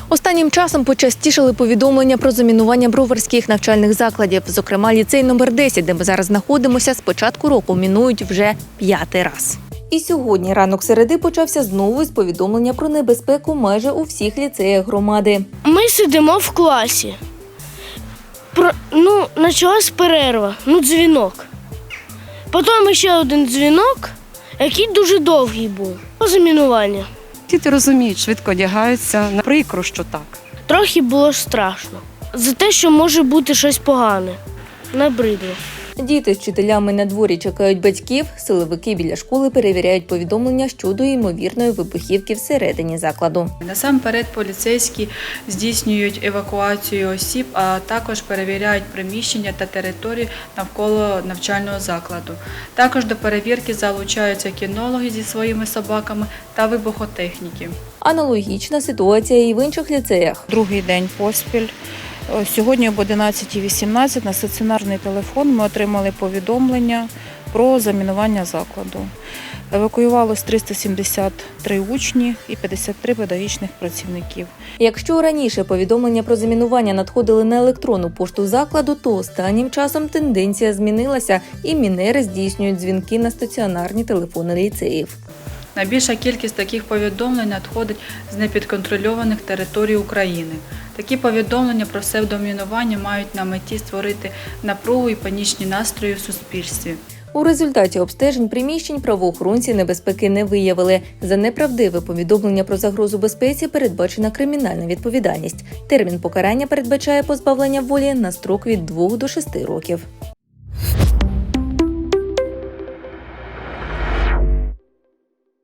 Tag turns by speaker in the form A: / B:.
A: Останнім часом почастішали повідомлення про замінування броварських навчальних закладів. Зокрема, ліцей номер 10, де ми зараз знаходимося, з початку року мінують вже 5-й раз. І сьогодні ранок середи почався знову з повідомлення про небезпеку майже у всіх ліцеях громади.
B: Ми сидимо в класі. Почалась перерва, дзвінок. Потім ще один дзвінок, який дуже довгий був. Замінування.
C: Діти розуміють, швидко одягаються. Прикро, що так.
B: Трохи було страшно. За те, що може бути щось погане. Набридло.
A: Діти з вчителями на дворі чекають батьків, силовики біля школи перевіряють повідомлення щодо ймовірної вибухівки всередині закладу.
D: Насамперед поліцейські здійснюють евакуацію осіб, а також перевіряють приміщення та території навколо навчального закладу. Також до перевірки залучаються кінологи зі своїми собаками та вибухотехніки.
A: Аналогічна ситуація і в інших ліцеях.
E: Другий день поспіль. Сьогодні об 11:18 на стаціонарний телефон ми отримали повідомлення про замінування закладу. Евакуювалось 373 учні і 53 педагогічних працівників.
A: Якщо раніше повідомлення про замінування надходили на електронну пошту закладу, то останнім часом тенденція змінилася і мінери здійснюють дзвінки на стаціонарні телефони ліцеїв.
D: Найбільша кількість таких повідомлень надходить з непідконтрольованих територій України. Такі повідомлення про псевдомінування мають на меті створити напругу і панічні настрої в суспільстві.
A: У результаті обстежень приміщень правоохоронці небезпеки не виявили. За неправдиве повідомлення про загрозу безпеці передбачена кримінальна відповідальність. Термін покарання передбачає позбавлення волі на строк від 2 до 6 років.